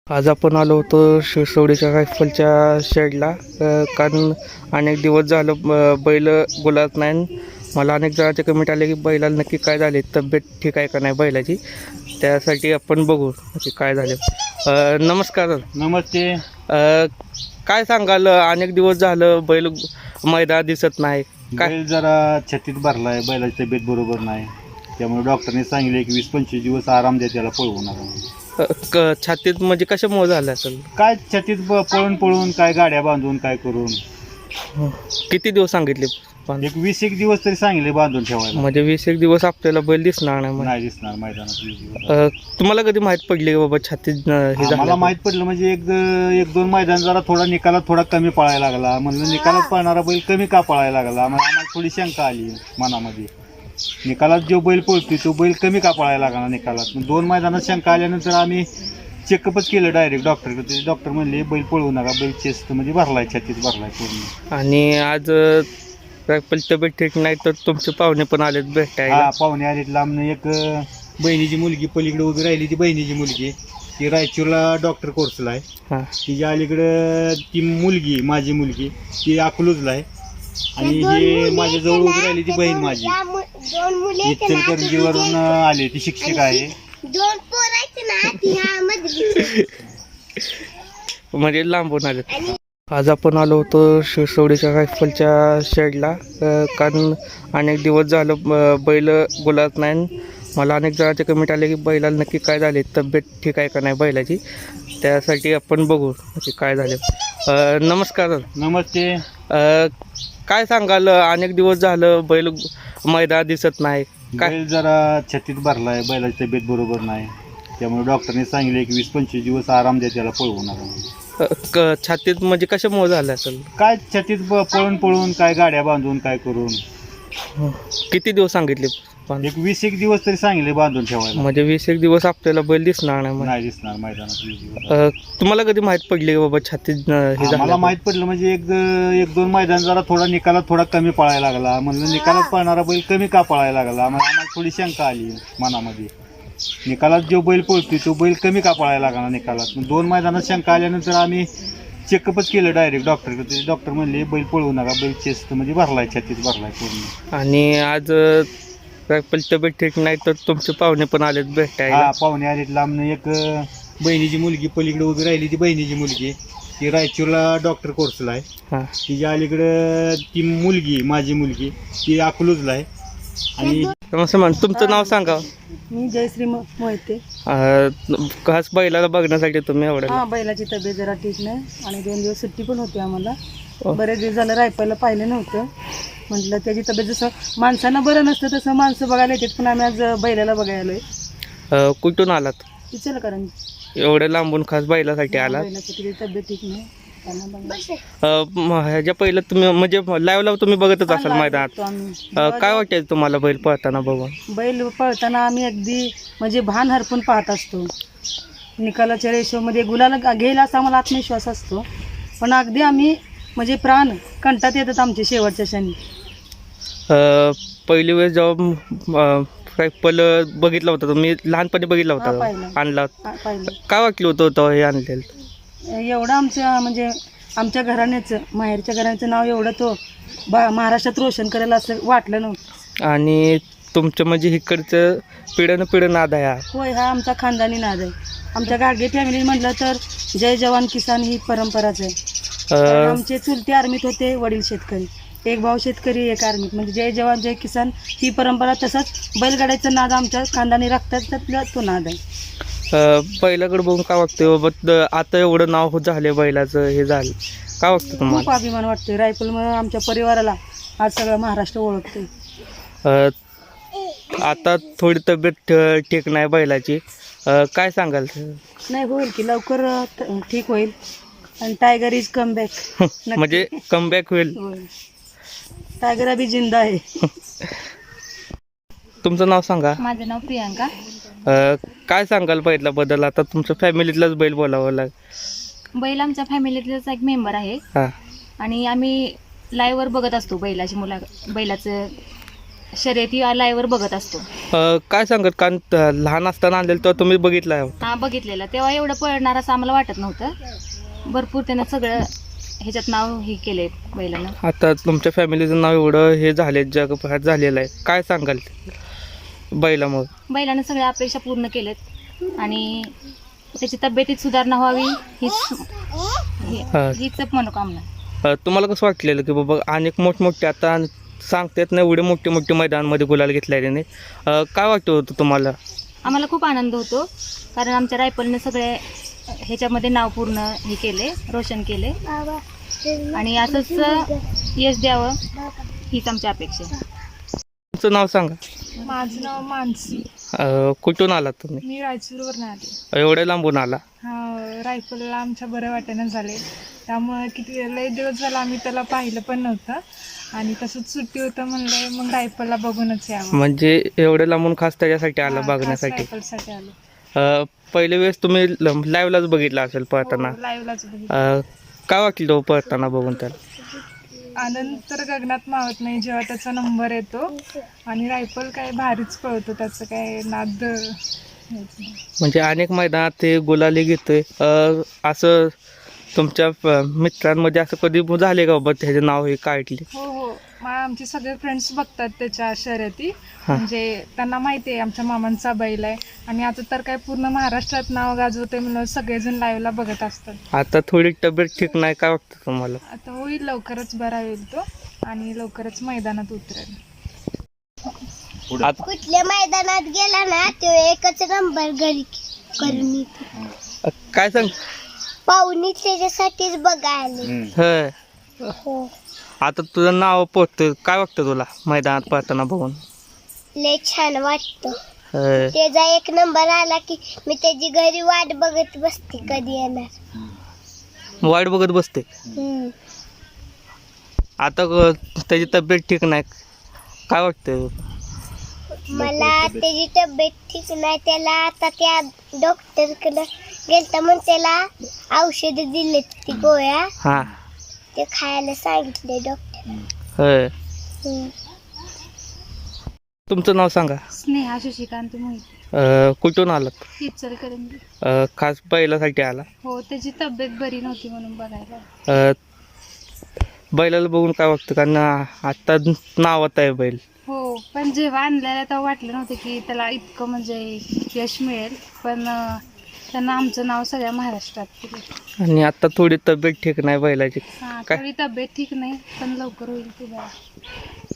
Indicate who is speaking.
Speaker 1: आज आपण आलो होतो शिरसवडीच्या रायफलच्या शेडला कारण अनेक दिवस झालं बैल बोलत नाही. मला अनेक जणांचे कमेंट आले की बैलाला नक्की काय झाले, तब्येत ठीक आहे का नाही बैलाची. त्यासाठी आपण बघू की काय झाले. नमस्कार.
Speaker 2: नमस्ते.
Speaker 1: काय सांगाल, अनेक दिवस झालं बैल मैदानात दिसत नाही. काय
Speaker 2: बैल जरा छातीत भरलाय, बैलाची तब्येत बरोबर नाही, त्यामुळे डॉक्टरने सांगितले की 20-25 दिवस आराम द्या त्याला, पळवू नका.
Speaker 1: छातीत म्हणजे कशामुळे झालं असेल?
Speaker 2: काय छातीत पळून पळून काय गाड्या बांधून काय करून
Speaker 1: किती दिवस सांगितले?
Speaker 2: एक 20-1 दिवस तरी सांगितले बांधून ठेवायला.
Speaker 1: म्हणजे 20-1 दिवस आपल्याला बैल दिसणार नाही.
Speaker 2: नाही दिसणार मैदानात 20 दिवस.
Speaker 1: तुम्हाला कधी माहित पडली की बाबा छातीत हे
Speaker 2: मला
Speaker 1: झालं?
Speaker 2: माहित पडलं म्हणजे एक दोन मैदान जरा थोडा निकालात थोडा कमी पळायला लागला. म्हणलं निकालात पळणारा बैल कमी का पळायला लागला, मग आम्हाला थोडी शंका आली मनामध्ये. निकालात जो बैल पळतोय तो बैल कमी का पळायला लागला निकालात. 2 मैदानात शंका आल्यानंतर आम्ही चेकअपच केलं डायरेक्ट डॉक्टरकडे. डॉक्टर म्हणले बैल पळवू नका, बैल चेस्ट म्हणजे भरलाय, छातीत भरलाय पूर्ण.
Speaker 1: आणि आज रायफल तब्येत ठीक नाही तर तुमचे पाहुणे पण आलेत भेटायला.
Speaker 2: हा, पाहुणे आलेत लांबनं. एक बहिणीची मुलगी पलीकडे उभी राहिली, ती बहिणीची मुलगी ती रायचूरला डॉक्टर कोर्सला आहे.
Speaker 1: हा.
Speaker 2: तिच्या अलीकडं ती मुलगी, माझी मुलगी, ती अकलूजला आहे. आणि हे माझ्या जवळ उभी राहिली ती बहीण माझी इचलकरंजीवरून आली, ती शिक्षक आहे.
Speaker 1: म्हणजे लांबून आलेत. आज आपण आलो होतो शिरसवडीच्या रायफलच्या शेडला कारण अनेक दिवस झालं बैल बोलत नाही. मला अनेक जणांचे कमेंट आले की बैलाला नक्की काय झाले, तब्येत ठीक आहे का नाही बैलाची. त्यासाठी आपण बघू की काय झाले. नमस्कार.
Speaker 2: नमस्ते.
Speaker 1: काय सांगाल, अनेक दिवस झालं बैल मैदानात दिसत नाही. काय
Speaker 2: बैल जरा छातीत भरलाय, बैलाची तब्येत बरोबर नाही, त्यामुळे डॉक्टरने सांगितले की 20-25 दिवस आराम द्या त्याला, पळवू नका.
Speaker 1: छातीत म्हणजे कशामुळे झालं असेल?
Speaker 2: काय छातीत पळून पळून काय गाड्या बांधून काय करून
Speaker 1: किती दिवस सांगितले?
Speaker 2: एक 20-1 दिवस तरी सांगितले बांधून ठेवायला.
Speaker 1: म्हणजे 20-1 दिवस आपल्याला बैल दिसणार नाही.
Speaker 2: नाही दिसणार मैदानात 20 दिवस.
Speaker 1: तुम्हाला कधी माहित पडली की बाबा छातीत हे
Speaker 2: मला
Speaker 1: झालं?
Speaker 2: माहित पडलं म्हणजे एक दोन मैदान जरा थोडा निकालात थोडा कमी पळायला लागला. म्हणलं निकालात पळणारा बैल कमी का पळायला लागला, मग आम्हाला थोडी शंका आली मनामध्ये. निकालात जो बैल पळतोय तो बैल कमी का पळायला लागला निकालात. 2 मैदानात शंका आल्यानंतर आम्ही चेकअपच केलं डायरेक्ट डॉक्टरकडे. डॉक्टर म्हणले बैल पळवू नका, बैल चेस्ट म्हणजे भरलाय, छातीत भरलाय पूर्ण.
Speaker 1: आणि आज रायफल तब्येत ठीक नाही तर तुमचे पाहुणे पण आलेत भेटायला.
Speaker 2: हा, पाहुणे आलेत लांबनं. एक बहिणीची मुलगी पलीकडे उभी राहिली, ती बहिणीची मुलगी ती रायचूरला डॉक्टर कोर्सला आहे.
Speaker 1: हा.
Speaker 2: तिच्या अलीकडं ती मुलगी, माझी मुलगी, ती अकलूजला आहे. आणि
Speaker 1: नमस्ते मॅम, तुमचं नाव सांगा.
Speaker 3: मी जयश्री मोहिते.
Speaker 1: खास बैलाला बघण्यासाठी तुम्ही एवढं?
Speaker 3: हा, बैलाची तब्येत जरा ठीक नाही आणि 2 दिवस सुट्टी पण होती आम्हाला. बरेच दिवस झालं रायफलला पाहिलं नव्हतं. म्हटलं त्याची तब्येत जसं माणसांना बरं नसतं तसं माणसं बघायला येतात, पण आम्ही आज बैलाला बघायला आलोय.
Speaker 1: कुठून आलात?
Speaker 3: विचार कारण
Speaker 1: एवढ्या लांबून खास बैलासाठी आलात?
Speaker 3: बैलाची तब्येत ठीक नाही त्यांना
Speaker 1: ह्याच्या पहिलं तुम्ही म्हणजे लाईव्हला तुम्ही बघतच असाल
Speaker 3: बघायला
Speaker 1: मैदानात.
Speaker 3: आम्ही.
Speaker 1: काय वाटतं तुम्हाला बैल पळताना बघून?
Speaker 3: बैल पळताना आम्ही अगदी म्हणजे भान हरपून पाहत असतो. निकालाच्या रेशोमध्ये गुलाला घेईल असा आम्हाला आत्मविश्वास असतो, पण अगदी आम्ही म्हणजे प्राण कंटात येतात आमचे शेवटच्या क्षणी.
Speaker 1: पहिली वेळेस जेव्हा रायफल बघितला होता तुम्ही, लहानपणी बघितला
Speaker 3: हा,
Speaker 1: होता,
Speaker 3: पाहिलं.
Speaker 1: आणला,
Speaker 3: पाहिलं
Speaker 1: काय वाटलं होतं हे आणलेलं?
Speaker 3: एवढं आमच्या म्हणजे आमच्या घराण्याचं, माहेरच्या घराण्याचं नाव एवढं तो महाराष्ट्रात रोशन करेल असं वाटलं नव्हतं.
Speaker 1: आणि तुमचं म्हणजे इकडचं पिढ्यानं नाद आहे हा?
Speaker 3: होय, हा आमचा खानदानी नाद आहे. आमच्या गाडगे फॅमिली म्हटलं तर जय जवान किसान ही परंपराच आहे. कारण आमचे चुलते आर्मीत होते, वडील शेतकरी, एक भाऊ शेतकरी, एक आर्मीत. म्हणजे जय जवान जय किसान ही परंपरा. तसंच बैलगाड्याचा नाद आमच्या खानदानी रक्तातला तो नाद आहे.
Speaker 1: बैलाकडे बघून काय वाटतं बाबा, आता एवढं नाव झाले बैलाचं, हे झालं, काय वाटतं
Speaker 3: खूप
Speaker 1: तुम्हाला?
Speaker 3: अभिमान वाटतोय. रायफलमुळे आमच्या परिवाराला आज सगळं महाराष्ट्र ओळखतोय.
Speaker 1: आता थोडी तब्येत ठीक नाही बैलाची, काय सांगाल?
Speaker 3: नाही, होईल की लवकर ठीक होईल. आणि टायगर इज कम बॅक.
Speaker 1: म्हणजे कमबॅक होईल.
Speaker 3: टायगर अभी जिंदा आहे.
Speaker 1: तुमचं नाव सांगा.
Speaker 4: माझं नाव प्रियांका.
Speaker 1: काय सांगाल बैलाबद्दल? आता तुमच्या फॅमिलीतलाच बैल बोलावं लाग.
Speaker 4: बैल आमच्या फॅमिलीतलाच एक मेंबर आहे
Speaker 1: हां.
Speaker 4: आणि आम्ही लाईव्हवर बघत असतो बैलाची बैलाचं शर्यती लाईव्हवर बघत असतो.
Speaker 1: काय सांगत कारण लहान असताना आणलेलं तर तुम्ही बघितलं आहे.
Speaker 4: हा बघितलेला, तेव्हा एवढं पळणार असं आम्हाला वाटत नव्हतं. भरपूर त्यानं सगळं ह्याच्यात नाव हे केले बैलानं.
Speaker 1: आता तुमच्या फॅमिलीचं नाव एवढं हे झाले जगभरात झालेलं आहे, काय सांगाल बैलामुळे?
Speaker 4: बैलानं सगळ्या अपेक्षा पूर्ण केलेत आणि त्याची तब्येतीत सुधारणा व्हावी हीच मनोकामना.
Speaker 1: तुम्हाला कसं वाटलेलं की बाबा अनेक मोठमोठे आता सांगतात ना एवढे मोठे मोठे मैदानामध्ये गुलाल घेतल्याने काय वाटतं होतं तुम्हाला?
Speaker 4: आम्हाला खूप आनंद होतो, कारण आमच्या रायफलने सगळे ह्याच्यामध्ये नाव पूर्ण हे केले, रोशन केले आणि असंच यश द्यावं हीच आमची अपेक्षा आहे.
Speaker 1: तुमचं नाव सांगा.
Speaker 3: माझं नाव मानसी.
Speaker 1: कुठून आलात तुम्ही?
Speaker 3: मी रायचूरवरून आले.
Speaker 1: एवढ्या लांबून आला?
Speaker 3: हा, रायफलला आमच्या बरं वाटेनं झाले, त्यामुळे किती लय दिवस झाला आम्ही त्याला पाहिलं पण नव्हतं आणि तसंच सुट्टी होतं म्हणलं मग रायफलला बघूनच यावं.
Speaker 1: म्हणजे एवढ्या लांबून खास त्याच्यासाठी आलं
Speaker 3: हा, खास
Speaker 1: बघण्यासाठी?
Speaker 3: रायफलसाठी आलो.
Speaker 1: पहिल्या वेळेस तुम्ही लाईव्हलाच बघितलं असेल पळताना.
Speaker 3: लाईव्हलाच बघितलं.
Speaker 1: काय वाटलं हो पळताना बघून त्याला?
Speaker 3: आनंद तर गगनात मावत नाही जेव्हा त्याचा नंबर येतो आणि रायफल काय भारीच पळतो, त्याचं काय नाद हेच नाही.
Speaker 1: म्हणजे अनेक मैदानात ते गुलाली घेतोय. असं तुमच्या मित्रांमध्ये असं कधी झाले का बाबा त्याचं नाव हे काढले?
Speaker 3: हो हो, आमचे सगळे फ्रेंड्स बघतात त्याच्या शर्यती,
Speaker 1: हा.
Speaker 3: म्हणजे त्यांना माहिती आहे आमच्या मामांचा बैल आहे आणि आता तर काय पूर्ण महाराष्ट्रात नाव गाजवते म्हणून सगळेजण लाईव्हला बघत असतात.
Speaker 1: आता थोडी तब्येत ठीक नाही, काय वाटतं तुम्हाला?
Speaker 3: आता होईल, लवकरच बरा होईल तो आणि लवकरच मैदानात उतरेल.
Speaker 1: आता
Speaker 5: कुठल्या मैदानात गेला ना तो एकच नंबर घरी करून येतो.
Speaker 1: काय सांग?
Speaker 5: पाहुणी त्याच्यासाठीच बघायला.
Speaker 1: ह आता तुझं नाव पोचतं, काय वाटतं तुला मैदानात पळताना बघून?
Speaker 5: लय छान वाटतं.
Speaker 1: ह.
Speaker 5: त्याचा एक नंबर आला की मी त्याची घरी वाट बघत बसते कधी येणार.
Speaker 1: वाईट बघत बसते.
Speaker 5: हम्म.
Speaker 1: आता त्याची तब्येत ठीक नाही, काय वाटतं?
Speaker 5: मला त्याची तब्येत ठीक नाही, त्याला आता त्या डॉक्टरकडे गेलता म्हणून त्याला औषध दिले, ती गोळ्या
Speaker 1: हां.
Speaker 5: ते खायला सांगितले डॉक्टर.
Speaker 1: होय.
Speaker 5: हम्म.
Speaker 1: तुमचं नाव सांगा.
Speaker 4: स्नेहा शशिकांत मोहिते,
Speaker 1: कुठून आलात?
Speaker 4: इचलकरंजी.
Speaker 1: खास बैलासाठी आला?
Speaker 4: हो, त्याची तब्येत बरी नव्हती म्हणून बघायला.
Speaker 1: बैलाला बघून काय वाटतं? कारण आत्ता नावात आहे बैल.
Speaker 4: हो, पण जेव्हा आणलेला तेव्हा वाटलं नव्हतं की त्याला इतकं म्हणजे यश मिळेल, पण त्यांना आमचं नाव सगळ्या महाराष्ट्रात केलं.
Speaker 1: आणि आता थोडी तब्येत ठीक नाही बैलाची.
Speaker 4: हां,
Speaker 1: काय?
Speaker 4: थोडी तब्येत ठीक नाही, पण लवकर होईल ती बरं.